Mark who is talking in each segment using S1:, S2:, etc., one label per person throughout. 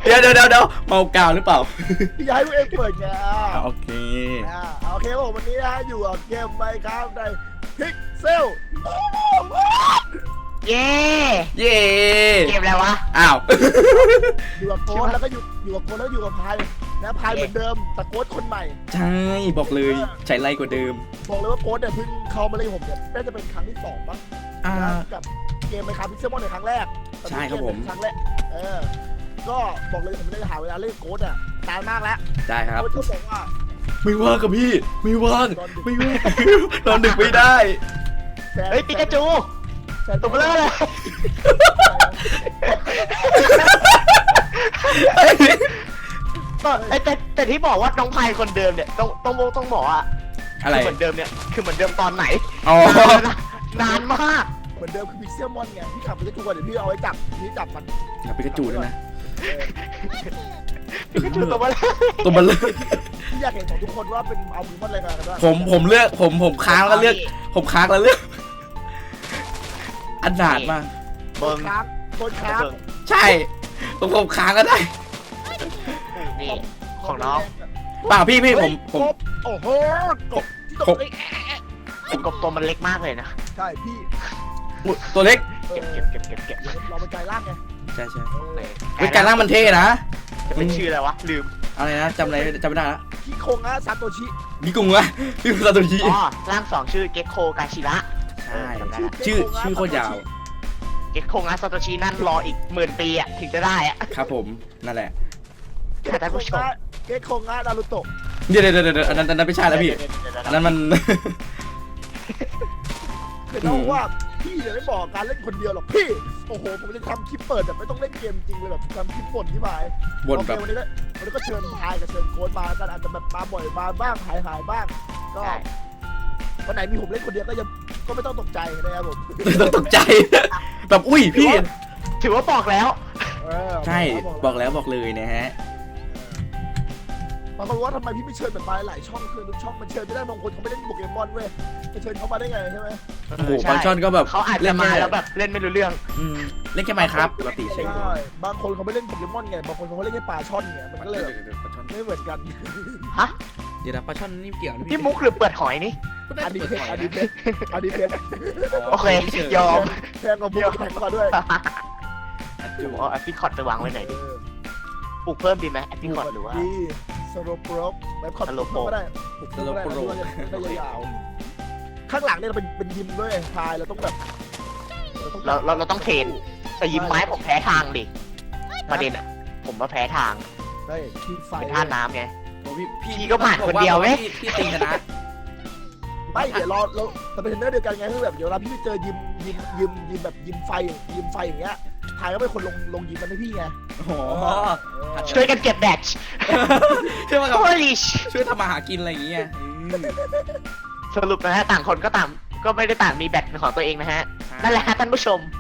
S1: เดี๋ยวเมากาวหรือเปล่า
S2: พี่อยากให้พวกเองเปิดไง
S1: โอเค
S2: โอเคผมวันนี้นะอยู่กับเกมไมค์ครับในพิกเซล
S3: เย้
S1: เย่
S3: เกมอะไรวะ
S1: อ้าว
S2: อยู่กับโค้ดแล้วก็อยู่กับโค้ดแล้วอยู่กับพายนะพายเหมือนเดิมแต่โค้ดคนใหม่
S1: ใช่บอกเลยใช้ไล่กว่าเดิม
S2: บอกเลยว่าโค้ดเนี่ยเพิ่งเข้ามาเล่นกับผมเนี่ยน่าจะเป็นครั้งที่2ป่ะกับเกมไมค์ครับพิกเซลมอนในครั้งแรก
S1: ใช่ครับผม
S2: ครั้งแรกก็บอกเลยผมไม่ได้หาเวลาเล่นโค้ดอ่ะนานมากแล้ว
S1: ได้ครับ
S2: โค้ดก็บอกว่า
S1: ไม่ว่างกับพี่ไม่ว่างนอนดึกไม่ได้
S3: เฮ้ยปิกาจูตัวเบลอเลยแต่ที่บอกว่าน้องพายคนเดิมเนี่ยต้องบอกว่า
S1: อะไร
S3: เหมือนเดิมเนี่ยคือเหมือนเดิมตอนไหน
S1: อ๋อน
S3: านมาก
S2: เหมือนเดิมคือพิกเซลมอนไงพี่ขับไปทุกวันเดี๋ยวพี่เอาไว้จับพี่จับมัน
S1: อย่าไปกระจูด้วยนะ
S3: ปิกาจูตัวเบลอ
S1: ตัวมันเลย
S2: พี่อยากเห็นของทุกคนว่าเป็นเอามือมันอะไรกันบ้าง
S1: ผมเลือกผมค้างแล้วเลือกผมค้างแล้วเลือกอันดาดมาก
S2: โคนค้างโคนค้าง
S1: ใช่ผมค้างก็ได้
S3: นี่ของน้อง
S1: เปล่าพี่ผม
S2: กบโอ้โหกบที่ตกเลย
S3: ไอ้กบตัวมันเล็กมากเลยนะ
S2: ใช่พี่
S1: อุ๊ยตัวเล็ก
S3: เก็บ
S2: เราเป็นกายล่างไง
S1: ใช่เป็นการล่างมันเท่นะ
S3: จะเป็นชื่ออะไรวะลืม
S1: อะไรนะจำไม่ได้ละ
S2: พี่โคงะซาโตชิ
S1: นี่กุ้งวะพี่ซาโตชิ
S3: อ๋อร่าง2ชื่อเก็กโคกาชิระ
S1: ใช่ชื่อโคตรยาว
S3: เก็กโคงะซาโตชินั่นรออีก10,000 ปีอ่ะถึงจะได้อ่ะ
S1: ครับผมนั่นแหละ
S3: ท่านผู้ชม
S2: เกโคงะนารูโตะ
S1: เดี๋ยวอันนั้นไม่ใช่แล้วพี่อันนั้นมัน
S2: เห็นเขาว่าพี่เนี่ยไม่บอกการเล่นคนเดียวหรอกพี่โอ้โหผมจะทำคลิปเปิดแบบไม่ต้องเล่นเกมจริงเลยแบบทำคลิปบ่นที่หมาย
S1: บ่นแบบ
S2: วันนี้ก็เชิญพายกับเชิญโค้ดมากันอาจจะแบบมาบ่อยมาบ้างหายบ้างก็วันไหนมีผมเล่นคนเดียวก็ไม่ต้องตกใจนะครับผม
S1: ต้องตกใจแบบอุ้ยพี่
S3: ถือว่าบอกแล้ว
S1: ใช่บอกแล้วบอกเลยนะฮะ
S2: บางคนว่าทำไมพี่ไม่เชิญแบบมาหลายช่องคือทุกช่องมันเชิญไม่ได้บางคนเขาไม่เล่นโปเกมอนเว้ยจะเชิญเขามาได้ไงใช่ไหม
S1: โอ้โหบางช่อนก็แบบ
S3: เขาอาจจะมาแล้วแบบเล่นไม่รู้เรื่อง
S1: เล่นแค่ไมค์ครับปกติใช่
S2: ใช่บางคนเขาไม่เล่นโปเกมอนไงบางคนเขาเล่นแค่ปลาช่อนไงมันก็เลยแบบไม่เหมือนกัน
S3: ฮะ
S1: เดี๋ยวนะปลาช่อนนี่เกี่ยว
S3: พี่มุกหรือเปิดหอยนี่
S2: อันนี้เพชร
S3: โอเคยอม
S2: แพงกว่าบุกแพงกว่าด้วย
S3: เอาแอปพิคอตไปวางไว้ไหนดิปลูกเพิ่มดีไหมแอปพิคอตหรือว่า
S2: ดีสโลโปรกแบบคอตก็ได้ได้ยาวข้างหลังเนี่ยเราเป็นยิมด้วยพายเราต้องแบบ
S3: เราต้องเทรนแต่ยิ้มไม้ผมแพ้ทางดิประเด็นอ่ะผมมาแพ้ทาง
S2: ได้ที่ไฟ
S3: เป็นท่าน้ำไง
S1: พี่
S3: ก็ผ่านคนเดียวไหม
S1: พี่ตีชนะ
S2: ไม่เดี๋ยวเราเป็นเทรนเนอร์เดียวกันไงคือแบบเดี๋ยวเราพี่ไปเจอยิมแบบยิมไฟอย่างเงี้ยพายก็เป็นคนลงยิมมันให้พี่ไง
S1: โอ้โห
S3: ช่วยกันเก็บแบตช์
S1: ช่วยมา
S3: โอลิช
S1: ช่วยทำมาหากินอะไรอย่างเงี้ย
S3: สรุปนะฮะต่างคนก็ต่างก็ไม่ได้ต่างมีแบตเป็นของตัวเองนะฮะนั่นแหละฮะท่านผู้ชม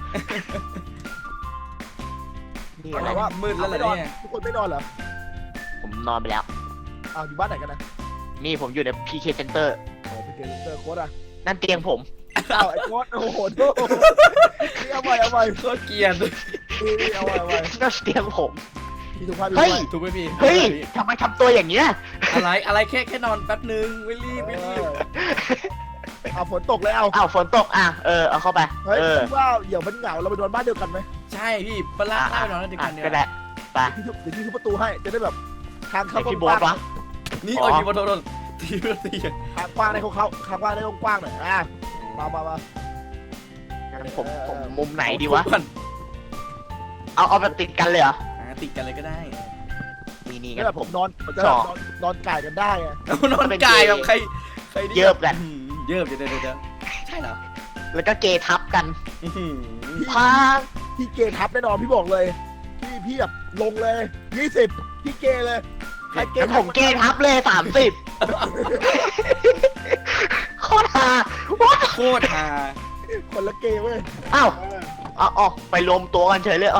S3: นี่
S2: อะ
S3: อะไร ไร
S2: ว่า
S1: มืดแล้วเหรอเนี่ย
S2: ทุกคนไม่นอนเหรอ
S3: ผมนอนไปแล้ว
S2: อ้าวอยู่บ้านไหนกันนะ
S3: นี่ผมอยู่ใน PK Center
S2: อ๋อเป็นเกมเตอร์โค้ดอ่ะ
S3: นั่นเตียงผม
S2: อ้าวไอ้โค้ดโอ้โหนี่เอาใหม่
S1: โคตรเกลียด
S2: นี่เอาใหม่
S3: นั่นเตียงผม
S2: พี่ทุกท่าน
S3: เฮ้ย
S1: ถูกไหมพี่
S3: เฮ้ยทำไมทำตัวอย่างเงี้ย
S1: อะไรแค่นอนแป๊บนึงไม่รีบ
S2: เอาฝนตกแล้ว
S3: อ้าวฝนตกอ่ะเอาเข้าไป
S2: เฮ้ยคิดว่าเดี๋ยวมันเหงาเราไปนอนบ้านเดียวกันไหม
S1: ใช่พี่ปลาไปนอนแล้วเดียวกันเนี่ย
S3: ก็ได้ไป
S2: เดี๋ยวพี่ทุบประตูให้จะได้แบบทางเข้า
S3: พี่โบ๊ทวะ
S1: นี่โอ้ยโดนตี
S2: ทางกว้างให้เขาทางกว้างให้กว้างหน่อยมา
S3: ผมมุมไหนดีวะเอาแบบติดกันเลยเหรอ
S1: ติดกันเลยก็ได้
S3: นี่
S2: นี่
S3: กัน
S2: แบบผมนอนจะนอนกายกันได้ไง
S1: นอนกายกับใคร
S3: เยิบกัน
S1: เยิบเดี๋ยวใช่เหรอ
S3: แล้วก็เกทับกันพา
S2: พี่เกทับแน่นอนพี่บอกเลยพี่แบบลงเลย20พี่เกเลยใครเก
S3: แล้วผมเกทับเลย30โคตรฮา
S1: โคตรฮา
S2: คนละเกเว้ย
S3: อ้าวอ๋อไปรวมตัวกันเฉยเลย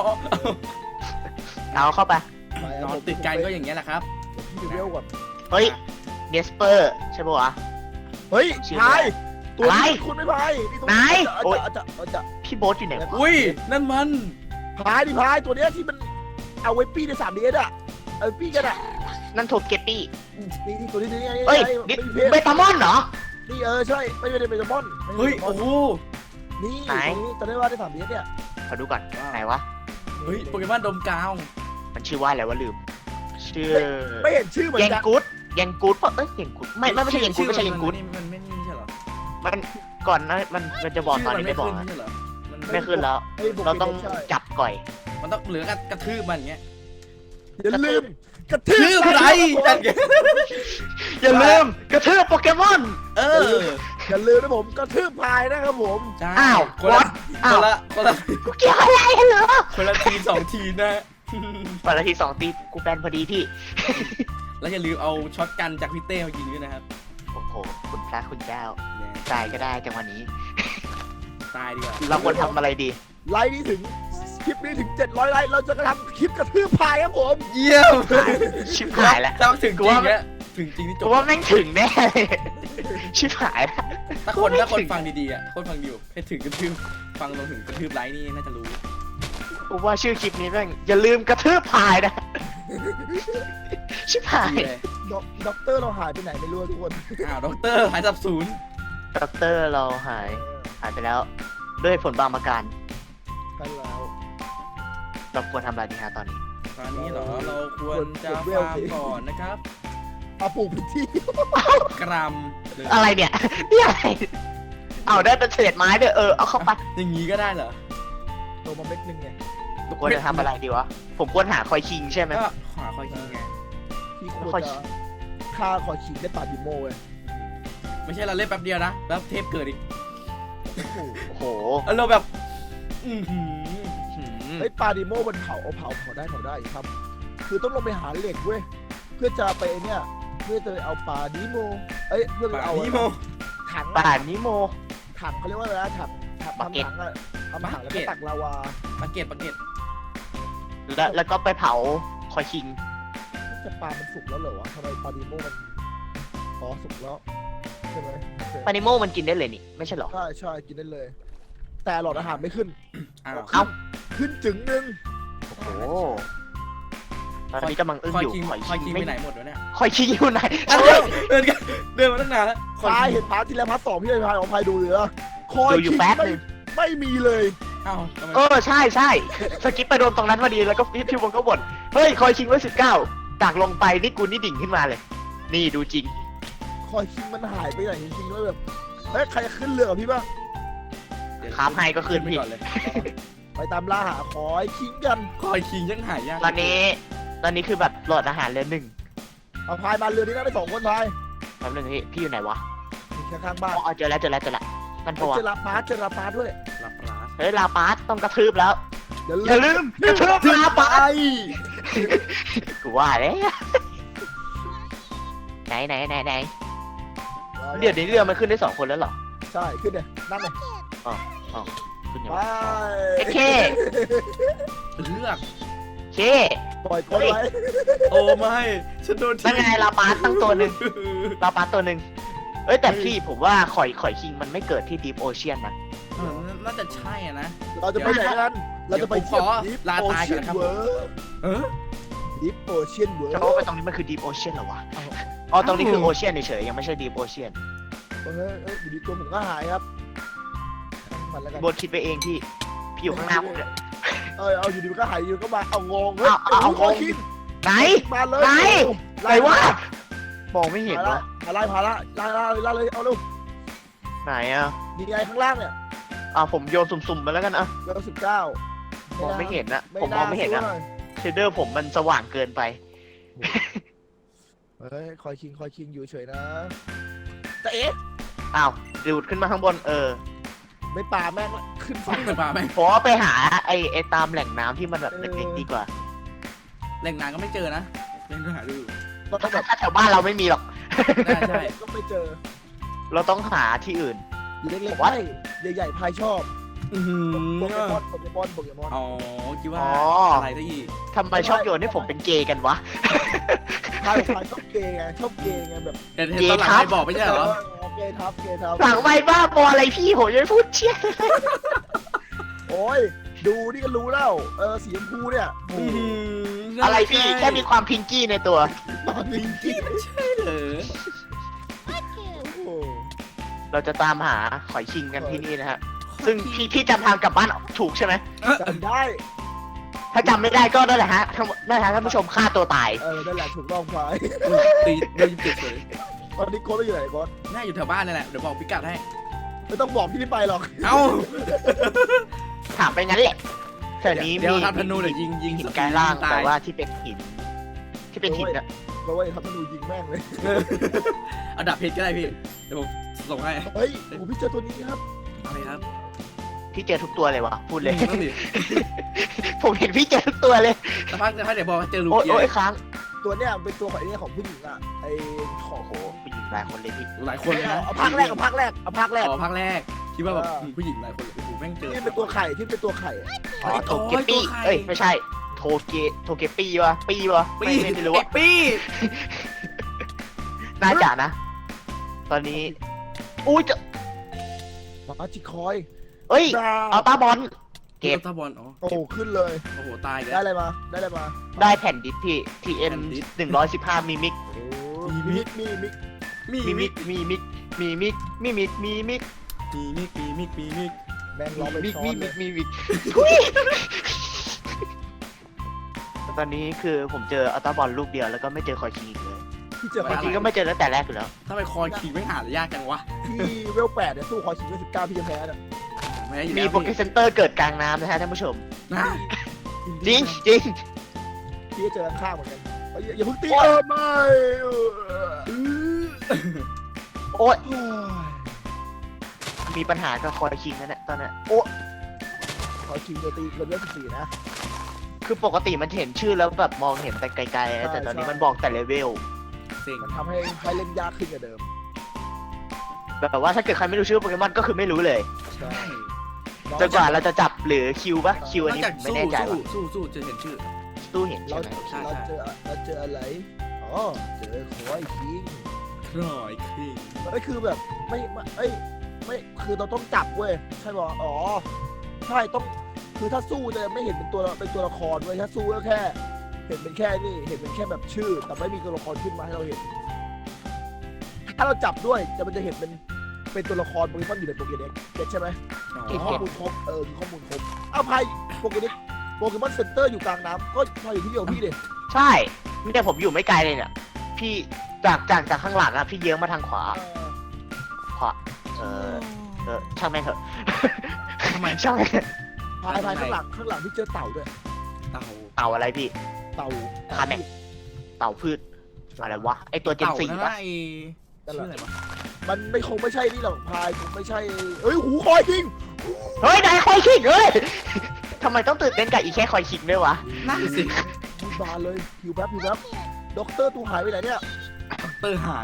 S3: เอาเข้าไป
S1: นอนติดกันก็อย่างเงี้ยแหละครับ
S2: พี่เวลก่อน
S3: เฮ้ยเนสเปอร์ใช่ปะวะ
S2: เฮ้ยพายตัวนี้คุณไม่พายจะ
S3: พี่โบ๊ทอยู่ไหนวะ
S1: อุ้ยนั่นมัน
S2: พายดิพายตัวเนี้ยที่มันเอาไว้ปี้ใน 3DS อ่ะเอาไว้ปี้กันอ่ะ
S3: นั่นโทเกตตี้
S2: นี่ตัวนี้นี่
S3: เฮ้ย
S2: ไม่
S3: นี่
S2: มีเพศ
S3: เบตามอนเหรอ
S2: นี่ใช่ไม่ได้เป็นมอน
S1: เฮ้ยโอ้โห
S2: นี่
S3: ไหน
S2: ตอนนี้ว่าได้ 3DS เนี่ย
S3: ขอดูก่อนไหนวะ
S1: เฮ้ยโปเกมอนดมกาว
S3: มันชื่อว่าอะไรวะลืม ชื่อ
S2: ไม่เห็นชื่อเหมือน
S3: แยง
S2: กัน
S3: กูดแยงกูดปะเอ้ยแยงกูดไม่ใช่แยงกูดไม่ใช่แยงกูด
S1: มันไม่นี่ใช่เหรอ
S3: มันก่อนนะมันจะบอกตอนนี้ไม่บอก
S1: ชื่
S3: นะ
S1: มันไม่ขึ้นใช่เหรอมัน
S3: ไม่ขึ้นแล้ว
S2: เฮ้ยโปเกมน
S3: เราต้อง
S2: ใช่
S3: จับก่อย
S1: มันต้องเหลือกระทืบมันอย่างเงี้ย
S2: อย่าลืมกระทื
S1: ทืบไรจัดเงี้ย
S3: อย่าลืมกระทืบโปเกมอน
S1: เออ
S2: อย่าลืมนะผมกระทืบพายนะครับผม
S1: ใช่
S3: อ้าว
S1: คนละ
S3: what อ้าว
S1: คนละ
S3: กูเกี่ยวอะไรเหรอ
S1: คนละที2 ทีนะ
S3: วันละที2 ตีกูแบนพอดีพี่
S1: แล้วอย่าลืมเอาช็อตกันจากพี่เต้มายิงด้วยนะครับ
S3: โอ้โหคุณพระคุณเจ้า
S1: เนี่ย
S3: ตายก็ได้จังวันนี้
S1: ตายดีกว่า
S3: เราควรทำอะไรดี
S2: ไลค์นี้ถึงคลิปนี้ถึง700ไลค์เราจะกระทำคลิปกระทืบพายครับผม
S1: เยี่ยม
S3: ชิบหายแล้ว
S1: ถ้าถึงจริงเนี่ยถึงจริงนี่จ
S3: กู
S1: บ
S3: ว่าแม่งถึงแน่เลยชิบหายแล้ว
S1: ถ้าคนฟังดีๆอ่ะคนฟังอยู่ให้ถึงกระทืบฟังลงถึงกระทืบไลค์นี่น่าจะรู้
S3: กูว่าชื่อคลิปนี้แม่งอย่าลืมกระทืบพายนะ ชิบหาย
S1: ดีเลย
S2: ด็อกเตอร์เราหายไปไหนไม่รู้ทุกคน
S1: อ้าวด็อกเตอร์หายสับสูญ
S3: ด็อกเตอร์เราหายไปแล้ว ด้วยผลบางประการ
S2: กันแล้ว
S3: เราควรทำอะไรดีฮะตอนนี้
S1: ตอนนี้เหรอเราควรจะฟาร์มก่อนนะครับ
S2: เอาปลูกพื้นที่
S1: กรัมเลย
S3: อะไรเนี่ย นี่อะไร เอาได้เป็นเศษไม้ด้วยเอาเข้าไป
S1: อย่างงี้ก็ได้เหรอ
S2: โตมาเม็ดนึงไง
S3: ควรจะทำอะไรดีวะ ผมควรหาคอยคิงใช่ไหม
S1: ก็ขวาคอยยิงไง
S2: ที่ควรจะฆ่าขอฉีดได้ปาดิโมเว้ย
S1: ไม่ใช่เราเล่นแป๊บเดียวนะแล้วเทปเกิดอีก
S3: โอ้โห
S1: แล้วเราแบบอือหือ
S2: เฮ้ยปาดิโมมันเผาได้ครับ คือต้องลงไปหาเหล็กเว้ยเพื่อจะไปเนี่ยเพื่อจะเอาปาดิโมเพื่อไป
S1: ป่า
S2: เอา
S1: นี้โม
S2: ถัง
S3: ป่านนิโม
S2: ถังเขาเรียกว่าอะไรนะถัง
S3: บักเก็ต
S2: ทำถังอะทำถังแล้วก็ตักลาวา
S1: ปาเกต
S3: แล้วก็ไปเผาคอยคิง
S2: จะปลามันสุกแล้วเหรอวะทำไมปาดิโมมันอ๋อสุกแล้วใช่ไหมโอเค
S3: ปานิโมมันกินได้เลยนี่ ไม่ใช่เหรอ
S2: ใช่กินได้เลย แต่หลอดอาหารไม่ขึ้น
S1: อ้าว
S3: เอ้า
S2: ขึ้นจึงนึง
S3: โอ้โหตอนนี้กำลังอึ้ง
S1: คอย
S3: อยู่
S1: คิง
S3: คอย
S1: คอย
S3: คิ
S1: คิ
S3: ง
S1: ง
S3: ไม่
S1: ไปไหนหมดวะเนี่ย
S3: คอยคิงอยู่ไหน
S1: เดินมาตั้งนานแล้วคอย
S2: พาย
S1: คิง
S2: เห็นพาร์ทที่แล้วพาร์ท 2พี่เลยพายของพายดูเหลือคอย
S3: ดูอยู่
S2: คิง
S3: แป๊บนึง
S2: ไม่มีเลย
S1: เอ้าทำไม
S3: ใช่สกิปไปโดนตรงนั้นพอดีแล้วก็พี่บงก็บ่นเฮ้ยคอยคิงไว้19จากลงไปนี่กูนี่ดิ่งขึ้นมาเลย นี่ดูจริง
S2: คอยคิงมันหายไปไหนจริงๆด้วยแบบเฮ้ยใครขึ้นเรือกับพี่บ้าง
S1: เดี๋ยว
S3: ครับให้ก็ขึ้น
S1: ไป
S3: พี่
S1: ก่อนเลย
S2: ไปตามล่าหาคอยคิงกัน
S1: คอยคิงยังหายยาก
S3: ตอนนี้คือแบบหลอดอาหารเหลือ1
S2: เอาพายมาเรือนี้นั่งได้2 คนพาย
S3: แป๊บนึงพี่อยู่ไหนวะ
S2: อยู่ข้างๆบ้าน
S3: อ๋อเจอแล้วมันพอ
S2: เจอลาพาร์ทด้วย
S1: หลับร้า
S3: เฮ้ยลาปาสต้องกระทืบแล้ว
S2: อย่า
S3: อย่า
S2: ลืม
S3: ลืมกระทืบลาปาส
S1: ไอ้
S3: กูว่าแล้วไหนเดี๋ยวนี้เรือมันขึ้นได้2 คนแล้วเหรอ
S2: ใช่ขึ้นเลยนั่งเลย
S3: ขึ้นยัง
S2: ไป
S3: วะเค
S1: เลือก
S3: เค
S2: ปล่อยคนไว้
S1: โอ้ไม่ฉันโดน
S3: นั่นไงลาปาสตั้งตัวหนึ่งลาปาสตัวหนึ่งเอ้ยแต่พี่ผมว่าข่อยคิงมันไม่เกิดที่ดีฟโอเชียนนะ
S1: น่าจะใช่อะนะ
S2: เราจะไปไหนกันเราจะไปเที่ยว
S1: เดี๋
S2: ดิ
S1: ยว
S2: ฟ
S1: ผมขอลา
S2: โอ
S1: ตาย
S2: เชี
S1: ก่อย น
S2: น
S1: นะครับ
S2: เวิร์
S1: เออ
S2: ดิฟโอเชียนเวิร์
S3: จะว่าไปตรงนี้มันคือดีฟโอเชียนเหรอวะอ๋อตรงนี้คือโอเชียนเฉยๆยังไม่ใช่ดีฟโอเชียน
S2: อยู่ดีตัวผมก็หายครับมันแล้วกัน
S3: บนคิดไปเองพี่อยู่ข้างหน้าผมเนี่ย
S2: เอาอยู่ดีมันก็หายอยู่ก็มาเอางง
S3: เอา
S2: คอยคิง
S3: ไหน
S2: มาเลย
S3: ไหน
S2: ไล่
S3: ไหนวะมองไม่เห็นวะ
S2: ไล่พาละไล่เลยเอาเร็ว
S3: ไหนอ่ะ
S2: นี่ไงข้างล่างเนี่ย
S3: ผมโยนสุ่มๆไปแล้วกันอ่ะ
S2: เบอร์19
S3: มองไม่เห็นนะผมมองไม่เห็นนะเชดเดอร์ผมมันสว่างเกินไป
S2: เฮ้ยคอยคิงอยู่เฉยนะแต่เอ๊ะ
S3: อ้าวดูดขึ้นมาข้างบน
S2: ไม่ป่าแม่งขึ้นฝั่ง
S1: เหมือนป่าไหม
S3: ผมว่าไปหาไอ้ตามแหล่งน้ำที่มันแบบเล็กๆดีกว่า
S1: แหล่งน้ำก็ไม่เจอนะยังหาดู
S2: ก็ต้องแบบ
S3: ถ้าแถวบ้านเราไม่มีหรอก
S1: ได้ใช่
S2: ก็ไม่เจอ
S3: เราต้องหาที่อื่น
S2: เล็ก
S3: ผม
S2: ๆ
S3: ว่า
S2: ใหญ่ๆพายชอบ
S1: อือหื
S2: โปเกม
S1: อ
S2: อนโปเกมอน
S1: อ๋อคิดว่า
S3: อ๋อ
S1: อะไรได้อีก
S3: ทำไมชอบโยนให้ผมเป็นเกย์กันวะ
S2: พายชอบเกย์ไงชอบเกย์ไงแบบ
S1: เห็นตอนหลังไม่บอกไม่ใช่เหรอ
S2: เกย์ทับ
S3: หลังไม่บ้าบออะไรพี่ผมจะไม่พูดเชี่ย
S2: โอ้ยดูนี่ก็รู้แล้วสีชมพูเนี่ย
S1: อือหือ
S3: อะไรพี่แค่มีความพิงกี้ในตัว
S2: พิงกี้
S1: ใช่เหรอ
S2: โอ้โห
S3: เราจะตามหาหอยชิงกันที่นี่นะฮะซึ่งพี่จำทางกลับบ้านถูกใช่ไหม
S2: จำได้
S3: ถ้าจำไม่ได้ก็นั่นแหละฮะนั่นแหละท่านผู้ชมฆ่าตัวตาย
S2: นั่นแหละถูกต้องพาย
S1: ตีเดี๋ยวยิงเจ็บเลย
S2: ตอนนี้โค้ดไม่อยู่ไหนโค้ด
S1: น่าอยู่แถวบ้านนี่แหละเดี๋ยวบอกพิกัดให้
S2: ไม่ต้องบอกพี่ไม่ไปหรอก
S1: เอ้า
S3: ถามไปงั้นแหละแต่นี้
S1: เดี๋ยว
S3: มี
S1: ทำธนูเดี๋ยวยิง
S3: หิน
S1: ส
S3: กลายร่าง
S1: ตา
S3: แต่
S1: ย
S2: Dạ.
S3: ว่าที่เป็นหินอะ
S2: เพราะว่าครับมันดูยิงแม่งเลย
S1: เอาดับเพชรก็ได้พี่เดี๋ยวผมส่งให้
S2: เฮ้ยโอ้พี่เจอตัวนี้ครับ
S1: อะไรครับ
S3: พี่เจอทุกตัวเลยวะพูดเลย
S1: นั่นดิ
S3: ผมเห็นพี่เจอทุกตัวเลย
S1: สักพักเดี๋ยวบอกว่าเจอลูก
S3: โอ๊ย
S1: เกีย
S3: โอ๊ย
S1: ร์
S3: ค้าง
S2: ตัวเนี้ยเป็นตัวของไอ้เนี่ยของผู้หญิงอ่ะไอ้ของ
S3: โอ้โหผู้หญิงหลายคนเลยพี่
S1: หลายคนเลยนะ
S2: เอาภาคแรกเอาภาคแรกเอาภาคแรก
S1: อ๋อภาคแรกคิดว่าแบบผู้หญิงหลายคนเลยโอ้โหแม่งเจอ
S2: ที่เป็นตัวไข่ที่เป็นตัวไข่
S3: อ๋อโทเกปี้เอ้ยไม่ใช่โทเกปี้วะปี้วะไม่รู้
S1: ไอ้
S3: อะ
S1: ปี้
S3: น่าจะนะ ตอนนี้อุ้ยจะ
S2: มาจิคอย
S3: เอ้ยเอาตาบอลเก็บ
S1: ตาบอลอ๋อ
S2: โอ้โหขึ้นเลย
S1: โอ้โหตาย
S2: ได้
S1: แล้ว
S2: อะไรมาได้อะไรมา
S3: ได้แผ่นดิสพี่ TM 115มิมิก
S2: โอ้มีมิกมีมิก
S1: มีมิก
S3: มีมิกมีมิกมีมิกมีมิก
S1: มีมิกมีมิกมีมิก
S2: แม่งร้องไป
S3: มิก
S2: ซ้อ
S3: มี
S2: นเล
S3: มิ
S2: ย
S3: กมีมิกตอนนี้คือผมเจออัลตาบอลลูกเดียวแล้วก็ไม่เจอคอยคิงอีกเลย
S2: พี่เจอ
S3: คอยคิงก็ไม่เจอตั้งแต่แรกอยู่แล้ว
S1: ถ้าไปคอยขี่ไม่หาเลยยากจังวะ
S2: ที่เวล8เนี่ยสู้คอยชิงเวล19พี่จะแพ้เนี่ย
S1: แม้อยู่
S3: มี
S1: แล้ว
S3: โปเกเซนเตอร์เกิดกลางน้ำนะฮะท่านผู้ชม
S1: นะ
S3: จริงจริง
S2: พี่จะเจอข้างๆเหมือนกันอย่าเพิ่งตี
S3: โอ๊ย
S2: ไม่
S3: โอ๊ยมีปัญหากับคอยคิงนั่นแหละตอนนั้น
S2: คอยชิงจะตีเกินเวล14นะ
S3: คือปกติมันเห็นชื่อแล้วแบบมองเห็นแต่ไกลๆนะแต่ตอนนี้มันบอกแต่เลเวล
S1: เซ็ง
S2: มันทำให้เล่นยากขึ้นกว่าเดิม
S3: แบบว่าถ้าเกิดใครไม่รู้ชื่อโปเกมอนก็คือไม่รู้เลย
S2: ใช่
S3: จนกว่าเราจะจับหรือคิวปะคิวอัน
S1: นอก
S3: นี้
S1: จาก
S3: ผมไม่แน่ใจว่า
S1: สู้จะเห็นชื่อ
S3: ตู้เห็น
S2: เรา
S3: ใช่ไหม
S1: ใช่
S2: เราเจออะไรอ๋อเจอคอยชิง
S1: ครอยคิง
S2: เอ้ยคือแบบไม่คือเราต้องจับเว้ยใช่ป่ะอ๋อใช่ต้องคือถ้าสู้จะไม่เห็นเป็นตัวละครเว้ยถ้าสู้ก็แค่ เห็นเป็นแค่นี่เห็นเป็นแค่แบบชื่อ แต่ไม่มีตัวละครขึ้นมาให้เราเห็น ถ้าเราจับด้วยมันจะเห็นเป็นตัวละครโปเกมอนอยู่ในโปเกเด็กเก็ตใช่ไหม
S1: อ๋อ
S2: ข้อมูลครบมีข้อมูลครบเอาพายโปเกเด็กโปเกมอนเซ็นเตอร์อยู่กลางน้ำก็พายอยู่ที่เดียวพี่เลย
S3: ใช่ไม่ได้ผมอยู่ไม่ไกลเลยเนี่ยพี่จากข้างหลังอะพี่เยื้องมาทางขวาช่างแม่งเถอะ
S1: ทำไม
S3: ช่างแม่งเถอะ
S2: พายข้างหลังพี่เจอเต่าด้วย
S1: เต่า
S3: เต่าอะไรพี่
S2: เต่า
S3: คันเนี่ย เต่าพืชอะไรวะไอตัวเจน
S1: เต่า
S3: ซี
S1: นั่น
S3: ปะ
S1: นะไอ้ชื่ออะไรวะ
S2: มันคงไม่ใช่นี่หรอกพายคงไม่ใช่เอ้ยหูคอยจริง
S3: เฮ้ยนายคอยคิงเฮ้ยทำไมต้องตื่นเต้นกับอีแค่คอยคิงด้วยวะ
S1: นั่นสิ
S2: มีบานเลยหิวแป๊บด็อกเตอร์ตูหายไปไหนเนี่ย
S1: เตอร์หาย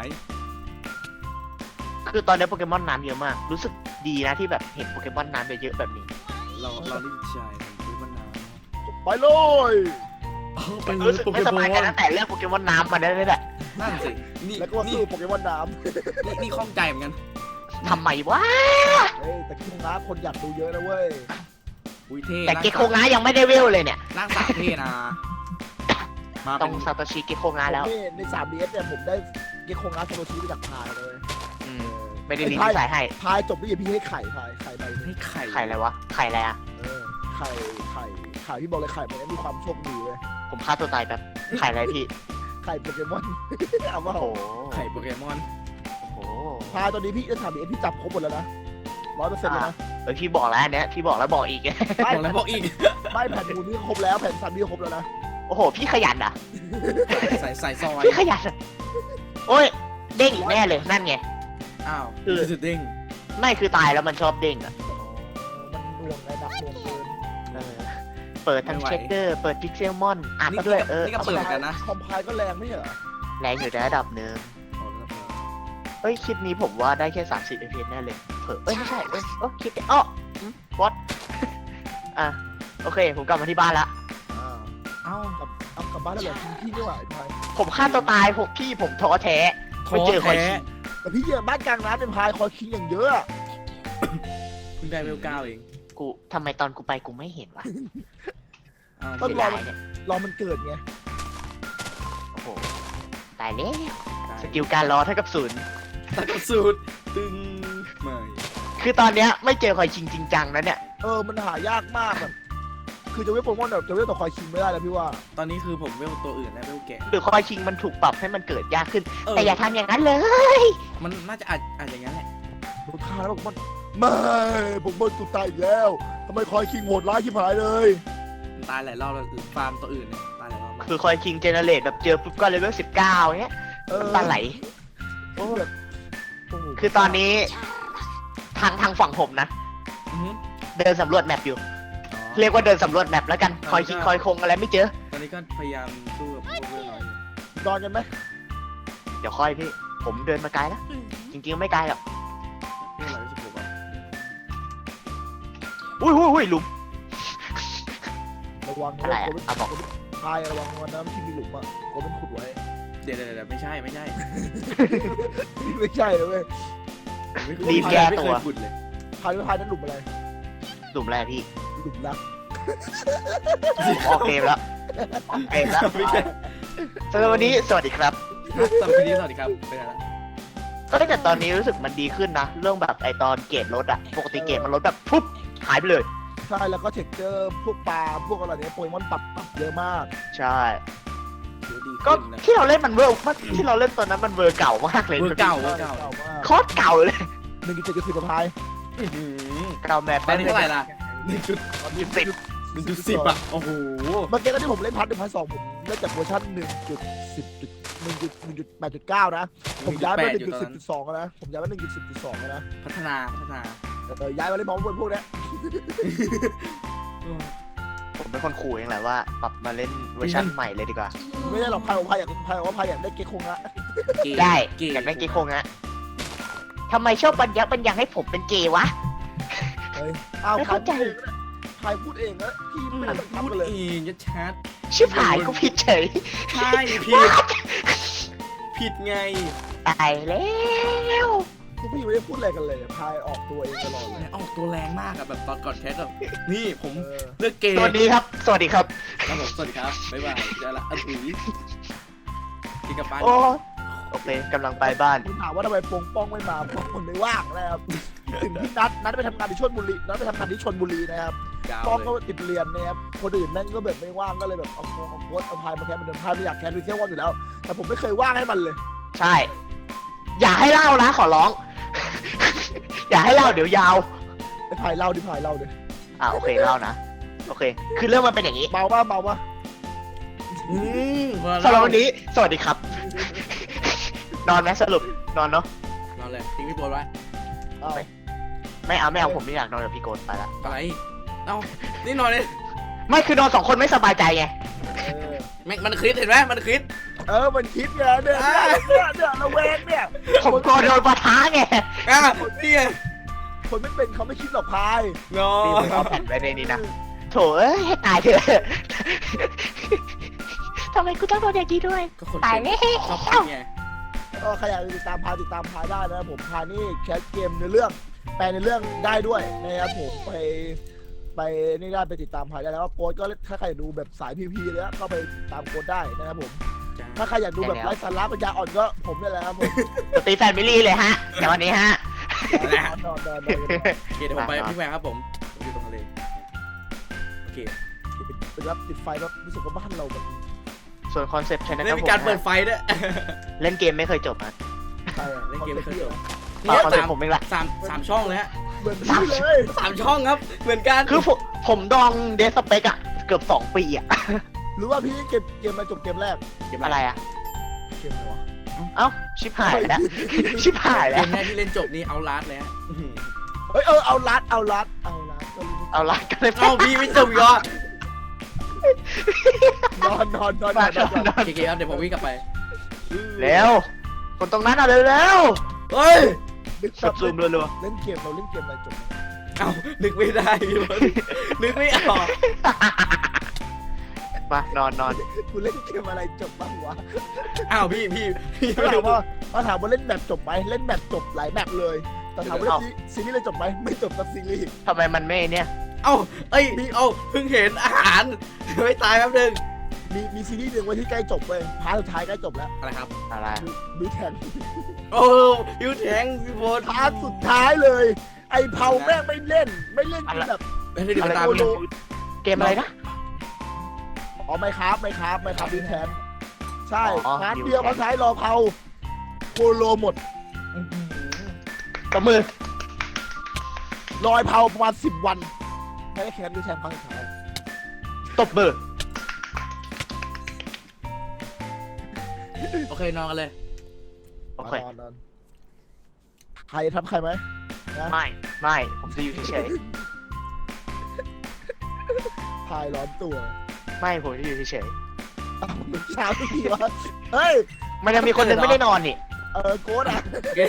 S3: คือตอนนี้โปเกมอนน้ำเยอะมาก รู้สึกดีนะที่แบบเห็นโปเกมอนน้ำเยอะๆแบบนี้
S1: เราดีใจซื้อมานาน
S2: ไปเลย
S1: ไปเล
S3: รู้
S1: ย
S3: สึก
S1: โปเก
S3: ไม่ส
S1: ม
S3: บายใจ
S1: อน
S3: ตั้งแต่เรื่องโปเกมอนน้ำมาได้เลยแหละ
S1: นั่นสินี่
S2: แล้วก็มา
S1: นี่
S2: สู้โปเกมอนน้
S1: นี่ข้องใจเหมือนกัน
S3: ทำไมวะ
S2: ำเฮ้ยแต่คิงน้าคนอยากดูเยอะนะเว้ย
S1: อุ้ยเท่
S3: แต่เกโคงายังไม่ได้เวลเลยเนี่ย
S1: ร่างสาวเท่นะมา
S3: ต้
S1: เป็
S3: อง
S1: น
S3: ซาโตชิเกโคงาแล้ว
S2: นี่ใน 3DS เนี่ยผมได้เกคงน้าโซโลชีไปจากพายเลย
S3: อืมไม่ได้รีวิวสายให้
S2: พายจบด้วยพี่ให้ไข่พายไข่ใบ
S1: ให้ไข่
S3: ไข่อะไรวะ ไข่อะไรอะ
S2: ไข่พี่บอกเลยไข่มันมีความโชคดีเว้ย
S3: ผมฆ่าตัวตายแบบไข่อะไรพี่
S2: ไข่โปเกมอน เอาว่า
S3: โอ้โห
S1: ไข่โปเกมอน
S3: โอ้โห
S2: พายตอนนี้พี่จะถามดิพี่จับครบหมดแล้วนะ100%เลยนะ
S3: พี่บอกแล้วอันเนี้ยพี่บอกแล้วบอกอีก
S1: บอกแล้วบอกอีก
S2: ไม่แผ่นมูลนี่ครบแล้วแผ่นซันนี่ครบแล้วนะ
S3: โอ้โห พี่ขยันอ่ะ
S1: ใส่ซอย
S3: พี่ขยันอะโอ้ย เด้งอีกแน่เลย นั่นไง
S1: อ้าว
S3: คือ
S1: สุดเด้ง
S3: ไม่คือตายแล้วมันชอบเด้งอ่ะ
S2: มันหน่วงไงนักหน่วงเกิน
S3: เออเปิดทั้งเช็คเกอร์ เปิดพิกเซลมอนอัดด้วย
S1: นี่ก็เปิดกันนะ
S2: คอมไพล์ก็แรงไม่เหรอ
S3: แรงอยู่ในระดับหนึ่งเอ้ย คลิปนี้ผมว่าได้แค่ 30 fps แน่เลยเผลอไม่ใช่คลิปวอตอ่ะ โอเค ผมกลับมาที่บ้านละ
S1: เอ้าก
S2: ลับบ้านแล้วเหรอพี่นี่หว่าไอ้พาย
S3: ผมฆ่าตัวตายผมท้อแท้ไม่เจอคอยคิง
S2: แต่พี่เยี่ยบ้านกลางน้ำเป็นพายคอยคิงอย่างเยอะอะ
S1: เพิ่งได้เวล9เอง
S3: ทำไมตอนกูไปกูไม่เห็นวะ
S1: อ้าว
S2: ต้อง
S3: เสีย
S2: รอ
S3: ดายเนี่ย
S2: รอมันเกิดไง
S3: ายแล้วสกิลการรอเท่ากับศูนย์
S1: ตัดกระสูดตึงไม่
S3: คือตอนเนี้ยไม่เจอคอยชิงจริงจังแล้วเนี่ย
S2: มันหายากมากแบบคือจะเวทโปเกมอนแบบจะเวทต่อคอยคิงไม่ได้แล้วพี่ว่า
S1: ตอนนี้คือผมเวลตัวอื่นแล้วเวลแกะ
S3: หรือคอยชิงมันถูกปรับให้มันเกิดยากขึ้น
S1: เออ
S3: แต่อย่าทำอย่างนั้นเลย
S1: มันน่าจะอาจอย่างนั้นแหละ
S2: ผมฆ่าแล้วโปเกมอนไม่ผมโดนตุกตายอีกแล้วทำไมคอยคิงโหดร้ายชิบหายเลย
S1: มันตายหลายรอบแล้วฟาร์มตัวอื่นเนี่ยตายหลายรอบมาก
S3: คือคอยชิงเจเนเรตแบบเจอปุ๊บก็เลเวล19เนี้ยตาไหล
S2: โอ้แบบโโห
S3: คือตอนนี้ทางฝั่งผมนะ
S1: อือหือ
S3: เดินสำรวจแมปอยู่
S1: อ๋อ
S3: เรียกว่าเดินสำรวจแมปแล้วกันคอยคิงคอยคงอะไรไม่เจอ
S1: ตอนนี้ก็พยายามสู้กับพวกเวลน้อยอยู่
S2: นอนกันไหม
S3: เดี๋ยวค่อยพี่ ผมเดินมาไกลแล้วจริงๆไม่ไกลหรอก
S1: เวลน้อยที่ผมบอก
S3: อุ้ยหลุม
S2: ระวัง
S3: อะไรอะ
S2: โก
S3: เอาบอก
S2: พายระวังวันน้ำที่มีหลุมอ่ะโกเป็นขุดไว้
S1: เดี๋ยวไม่ใช่
S2: ไม่ใช่เลยเว้ย
S1: ไม่เคย
S3: รีบแก้ตัว
S1: ไม่เคยขุดเลย
S2: พายไม่พายนั่นหลุมอะไร
S3: หลุมแรกพี่
S2: หลุมรัก
S3: ออกเกมแล้วออกเกมแล้ว
S1: ไม่ใช่
S3: สำหรับวันนี้สวัสดีครับ
S1: สวัสดีครับไปไหนละ
S3: ก็แต่ตอนนี้รู้สึกมันดีขึ้นนะ เรื่องแบบไอตอนเกรดลดอะปกติเกรดมันลดแบบปุ๊บหายไปเลย
S2: ใช่แล้วก็เทคเจอร์พวกปลาพวกอะไรเนี้ยโปเกมอนปรับเยอะมาก
S3: ใช่
S1: เดี๋ยวดี
S3: ก็
S1: ขึ้นนะ
S3: ที่เราเล่นมันเวอร์ที่เราเล่นตอนนั้นมันเวอร์เก่ามากเลย
S1: เวอร์เก่า
S2: เก่ามาก
S3: โคตรเก่าเลย
S2: 1.7กับพาย
S1: อื้อหือ
S3: เก่าแมป
S1: ตอนนี้เท่าไหร่ล่ะหนึ่งจุด
S2: ตอนนี้
S3: สิบ
S1: 10อ่ะโอ้โห
S2: เมื่อกี้ตอนที่ผมเล่นพัท1.2ผมเล่นจากเวอร์ชัน1.8.9 นะ ผมย้ายมา 1.10.2 แล้วนะ ผมย้ายมา 1.10.2 แล้วนะ
S1: พัฒนา
S2: ย้ายมาเล่นมองบนพวกเนี้ย
S3: ผมเป็นคนขู่เองแหละว่าปรับมาเล่นเวอร์ชันใหม่เลยดีกว่า
S2: ไม่ได้หรอกพายอยากได้เกคงละ
S3: ได้
S1: เก๋
S3: อยากเล่นเกย์คงอะทำไมชอบบัญญัติให้ผมเป็นเกย์วะ
S2: เฮ้ยอ้าว
S3: ไม่เข้าใจ
S2: พายพูดเองนะพี่ไม่ได้บังคับ
S1: พูด
S2: กันเลย
S1: เองยัดชัด
S3: ชิบหายก็ผิดเฉย
S1: ใช่ผิดไง
S3: ตายแล้ว
S2: พวกพี่ไม่ได้พูดอะไรกันเลยพายออกตัวเองตลอดเลย
S1: ออกตัวแรงมากอะแบบตอนก่อนแคสแบบนี่ผม
S2: เออ
S1: เลือกเกย์
S3: สวัสดีครับ สวัสดีครับ
S1: ครับผมสวัสดีครับบ๊ายบายเจอละอันอุ๋ยกินกับปลา
S3: โอเคกำลังไปบ้าน
S2: คุณถามว่าทำไมปงป้องไม่มาเพราะคนไม่ว่างนะครับถึงที่นัดไปทำงานที่ชลบุรีนะครับ
S1: ยาว
S2: ป้อง
S1: เล
S2: ก็
S1: ย
S2: ติดเรียนนะครับคนอื่นนั่นก็แบบไม่ว่างก็เลยแบบเอาโค้ชเอาพายมาแคสเหมือนเดิมพายไม่อยากแคสไปเที่ยววันอยู่แล้ว แต่ผมไม่เคยว่างให้มันเลย
S3: ใช่ อย่าให้เล่านะขอร้อง อย่าให้เล่าเดี๋ยวยาว
S2: ไอ้พายเล่าดิพายเล่าดิ
S3: โอเคเล่านะ โอเค คือเรื่องมันเป็นอย่างนี้
S2: เมาป่ะ
S1: อืม
S3: สำหรับวันนี้ สวัสดีครับ นอนไหมสรุป นอนเนาะ
S1: นอนเลยทิ้งพี่โบนไว้
S2: อ้าว
S3: ไม่เอาผมไม่อยากนอนกับพี่โกนไปละ
S1: อะไรเอ้านี่นอนเลย
S3: ไม่คือนอนสองคนไม่สบายใจไง
S1: แม่งมันคลิปเห็นไหมมันคลิป
S2: มันคิดไงเนี่ยระแวงเนี่ย
S3: ผมกลัวโดนปะทะไง
S1: อ่ะนี่ไง
S2: คนไม่เป็นเขาไม่คิดหรอกพาย
S1: นอ
S3: นี่ผมเอาแผ่นไว้ในนี้นะ โถเอ้ยให้ตายเถอะ ทำไมกูต้องโดนอย่างนี้ด้วย
S1: ก็คน
S3: ตาย
S1: เป็น
S3: แล้ว
S1: ชอบคิดไง
S2: ก็ใครอยากติดตามพายได้นะครับผมพายนี่แคสเกมในเรื่องแปลในเรื่องได้ด้วยนะครับผมไปนี่ได้ไปติดตามพายได้แล้วก็โค้ดก็ถ้าใครดูแบบสายพีเลยก็ไปตามโค้ดได้นะครับผมถ้าใครอยากดูแบบไร้สาระปัญญาอ่อนก็ผมนี่แหละครับผม
S3: ตีแฟนมิลี่เลยฮะแต่วันนี้ฮะ
S2: นอน
S1: โอเคเดี๋ยวผมไปพี่แหวนครับผมอยู่ตรงทะเลโอเค
S2: เป็นรับติดไฟแบบรู้สึกว่าบ้านเราแบบ
S3: ส่วนคอนเซ็ปต์ใช่ไหมค
S1: ได้
S3: รับ
S1: มี
S3: ผม
S1: การเปิดไฟด้วย
S3: เล่นเกมไม่เคยจบนะ
S2: ใช่
S1: เล่นเกมไม่เคยจบ
S3: คอนเซ็ปต์ผมเองแหละ
S1: สามช่องเลยฮะ
S2: เหมือนพี่เลย
S1: 3 ช่องครับเหมือนกัน
S3: คือผมดองเดสเปกอะเกือบ2 ปีอะ
S2: หรือว่าพี่เกมมาจบเกมแรก
S3: อะไรอะ
S2: เกมอะไรวะ
S3: เอ้าชิบหายแล้ว ชิบหาย
S1: เก
S3: แล้ว
S1: มแรกที่เล่นจบนี่เอาลาสเลยฮะ
S2: เฮ้ยเอาลัดก็รู้
S3: เอาละกันเลย
S1: เอ้าพี่ไม่จบอีกเหรอน
S2: อน
S3: นอน
S1: โอเคครับเดี๋ยวผมวิ่งกลับไป
S3: แล้วคนตรงนั้นเอาเร็ว
S1: เฮ้ย
S3: ๆแบบซูมรัว
S2: เล่นเกมเราเล่นเกมอะไรจบ
S1: เอ้านึกไม่ได้พี่บอลนึกไม่ออก
S3: ๆมานอน
S2: กูเล่นเกมอะไรจบบ้างวะ
S1: อ้าวพี่
S2: เขาถามว่าเล่นแบบจบไหมเล่นแบบจบหลายแบบเลยแต่ถามว่าเล่นซีรีส์เลยจบไหมไม่จบสักซีรีส์
S3: ทำไมมันไม่เนี่ย
S1: เอ้าเอ้ยเอ้าเพิ่งเห็นอาหารไม่ตายแป๊บนึง
S2: มีซีรีส์หนึ่งไว้ที่ใกล้จบเว้ยพาร์ทสุดท้ายใกล้จบแล้ว
S1: อะไรครับ
S3: อะไร
S2: บิวแทน
S1: โอ้ยูแทงพี่โบน
S2: พาร์ทสุดท้ายเลย ไอ้เผาแม่งไม่เล่นจนแบบ
S1: ไม่ได้ดู
S3: อะไร
S1: ตาม
S2: โคโล
S3: เกมอะไรนะ
S2: อ๋อไม่ครับบิวแทนใช่
S3: อ๋อ
S2: พาร์ท
S3: บิวแทน
S2: เดียวพาร์ทท้ายรอเผาโคโลหมด
S3: ตบมือ
S2: รอยเผาประมาณ10 วันไม่ได้แคนบิวแทนพาร์ทสุดท้าย
S3: ตบมือ
S1: โอเคนอนกันเลย
S3: โอเค
S2: นอนใครทำใครไหม
S3: ไม่ผมจะอยู่เฉย
S2: พายร้อนตัว
S3: ๆไม่ผมจะอยู่เฉย
S2: อ้าวเช้าทุกทีวะเฮ้ย
S3: ๆมันยังมีคนหนึงไม่ได้นอนนี่
S2: โค้ดอ่ะ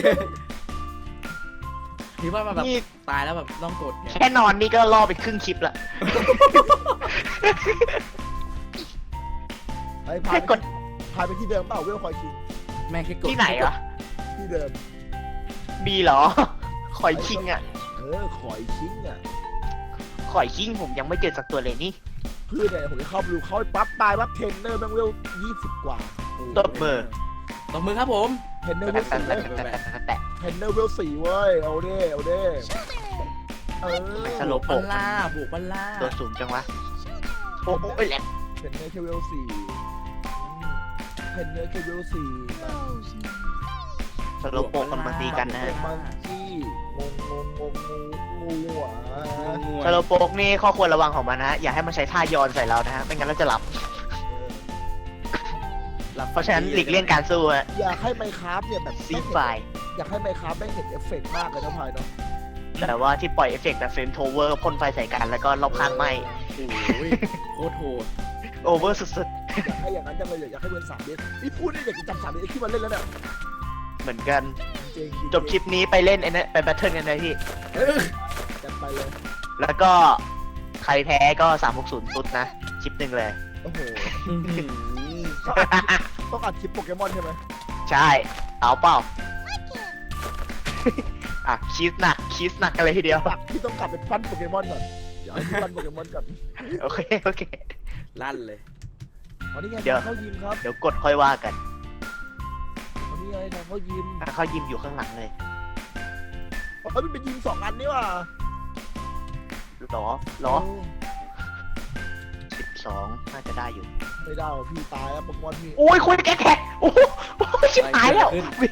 S1: คิดว่ามาแบบ
S3: นี่
S1: ตายแล้วแบบต้องกดไง
S3: แค่นอนนี่ก็ล่อไปครึ่งคลิปละ
S2: ไอ้
S3: แค่กด
S2: พายไปที่เดิมเปล่าเวลคอยคิง
S1: แม่งแค่กด
S3: ที่ไหนวะ
S2: ที่เดิม
S3: มีเหรอข่อยคิงอ่ะ
S2: คอยคิงอ่ะ
S3: ข่อยคิงผมยังไม่เจอสักตัวเลยนี่
S2: เพื่อนเนี่ยผมจะเข้าไปดูเขาไปปั๊บตายปั๊บเทรนเนอร์แม่งเวล20 กว่า
S3: ตบมือ
S1: ตบมือครับผม
S2: เทรนเนอร์เวล4เว้ย
S3: แต่
S2: เทรนเนอร์เวล4เว้ยเอาเด้เออ
S3: สโล
S1: บ
S3: โป
S1: บั
S3: ก
S1: ลล่าบุกบัลล่า
S3: ตัวสูงจังวะโอ้โหแหลก
S2: เทรนเนอร์แค่เวล4เทรนเนอร์แค่เวล4
S3: สโลโปกกันมาตีกันนะฮะ
S2: มังกี้งูอ่ะ
S3: สโลโปกนี่ข้อควรระวังของมันนะฮะอย่าให้มันใช้ท่ายอนใส่เรานะฮะไม่งั้นเราจะหลับ เพราะฉะนั้นหลีกเลี่ยงการสู้ฮะ
S2: อยากให้ไมคราฟเนี่ยแบบ
S3: ซีไฟ
S2: อยากให้ไมคราฟไม่เห็นเอฟเฟกต์มากเลยนะพายเนาะ
S3: แต่ว่าที่ปล่อยเอฟเฟกต์แบบเฟรมโทเวอร์พ่นไฟใส่กันแล้วก็รอบข้างไหม
S1: โอ้ยโคตรโหด
S3: โอเวอร์สุด
S2: อยากให้อย่างนั้นจังเลยอยากให้เวิร์น3 เดือนนี่พูดได้อยากจะจำ3 เดือนที่มันเล่นแล้วเนี่ย
S3: ๆเหมือนกัน
S2: จริงๆ
S3: จบคลิปนี้ไปเล่นไอ้นั่นไปแบทเทิลกันเลยพี่
S2: จัดไปเลย
S3: แล้วก็ใครแพ้ก็360ตุ๊ดนะคลิปหนึ่งเลย
S2: โอ้โหต้องอัดคลิปโปเกมอนใช่ไหม
S3: ใช่เอาเปล่า อ่ะคีสหนักกันเลยทีเดียว
S2: ปักที่ต้องกลับไปปั้นโปเกมอนก่อนเดี๋ยวให้ปั้นโปเกมอนก่อน
S3: โอเค
S1: ลั่นเลย
S2: อ๋อนี่ไง
S3: เดี๋ยว
S2: เข้ายิมครับ
S3: เดี๋ยวกดค่อยว่ากัน
S2: อ๋อนี่ไงทางเข้ายิม
S3: อ่ะเขายิมอยู่ข้างหลังเลย
S2: อ๋อมันเป็นยิม2 อันนี่ว่ะ
S3: หรอ12น่าจะได้อยู่
S2: ไม่ได้ว่ะพี่ตายแล้วโปเกมอนพี่
S3: โอ้ยคุยแท็กโอ้โหชิบหายแล้ววิ่ง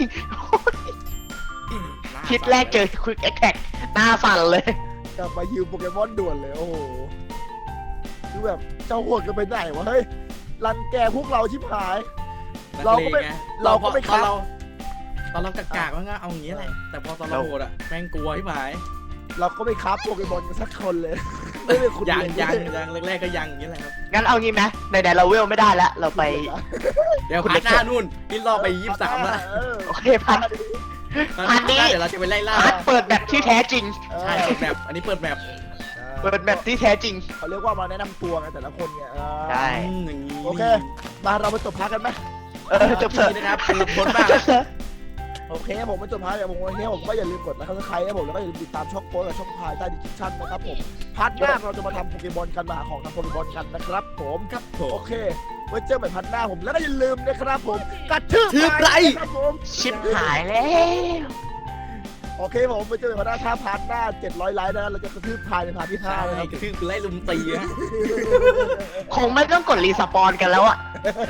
S3: คิดแรกเจอคุยแท็กหน้าสั่นเลย
S2: กลับมายิมโปเกมอนด่วนเลยโอ้โหคือแบบเจ้าโหดกันไปไหนวะเฮ้ยรังแกพวกเราชิบหาย เราก็ไม่
S1: เรา
S2: เราก็ไม่
S1: ต
S2: ครั
S1: อน
S2: บ
S1: เรากากๆว่างั้นเอาอย่างนี้แหละแต่พอตอนเราโหดอ่ะแม่งกลัวที่หมาย
S2: เราก็ไม่คราฟโปเกมอนกันสักคนเลย ไม่เป็นคุณ
S1: ยัง
S2: เลย
S1: แรกๆก็ยังอย่างนี้แหละครับ
S3: งั้นเอางี้ไหมไหนๆเราเวลไม่ได้แล้ว เราไป
S1: เดี๋ยวพาร์ทหน้านู่นนี่รอไป23แล้ว
S3: โอเคพัน พาร์ทนี้
S1: เดี๋ยวเราจะไปไล่ล่า
S3: เปิดแบบที่แท้จริง
S1: ใช่เปิดแบบอันนี้เปิดแบบ
S3: เปิดแบบที่แท้จริง
S2: เขาเรียกว่ามาแนะนำตัวไงแต่ละคนไง
S3: ใช่
S1: อย่างนี้
S2: โอเค มาเราไปจบพักกันไหม
S3: จบเถอะ
S1: นี่นะครับคือบนบ้าน
S2: โอเคผมมาจบพักอย่างผมวันนี้ผมก็อย่าลืมกดนะครับใครครับผมแล้วก็อย่าลืมติดตามช่องโพสกับช่องพายใต้ดิสคริปชั่นนะครับผมพาร์ทหน้าเราจะมาทำโปเกมอนกันมาหาของทำโปเกมอนกันนะครับผม
S1: ครับผ
S2: โอ
S1: ม
S2: เคไว้เจอใหม่พันหน้าผมแล้วก็อย่าลืมนะครับผมกระทืบ
S1: ทืบไร
S2: ครับผม
S3: ชิบหายแล้ว
S2: โอเคผมไปเจอใหม่พันหน้าถ้าพาร์ทหน้า700 ไลค์นะเราจะกระทืบพายในพาร์ทที่
S1: ใช่
S2: 5นะครับ
S1: กระทืบคือไล่ลุมตีฮะ
S3: คงไม่ต้องกดรีสปอนกันแล้วอะ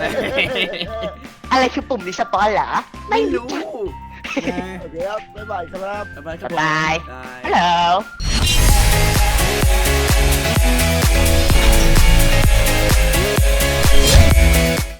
S3: อะไรคือปุ่มรีสปอนเหรอ
S1: ไม่รู้
S2: โอเคครับบ๊ายบายครับ
S1: บ๊ายบายครับผม
S3: บ๊ายบาย
S1: บาย
S3: ฮัลโหล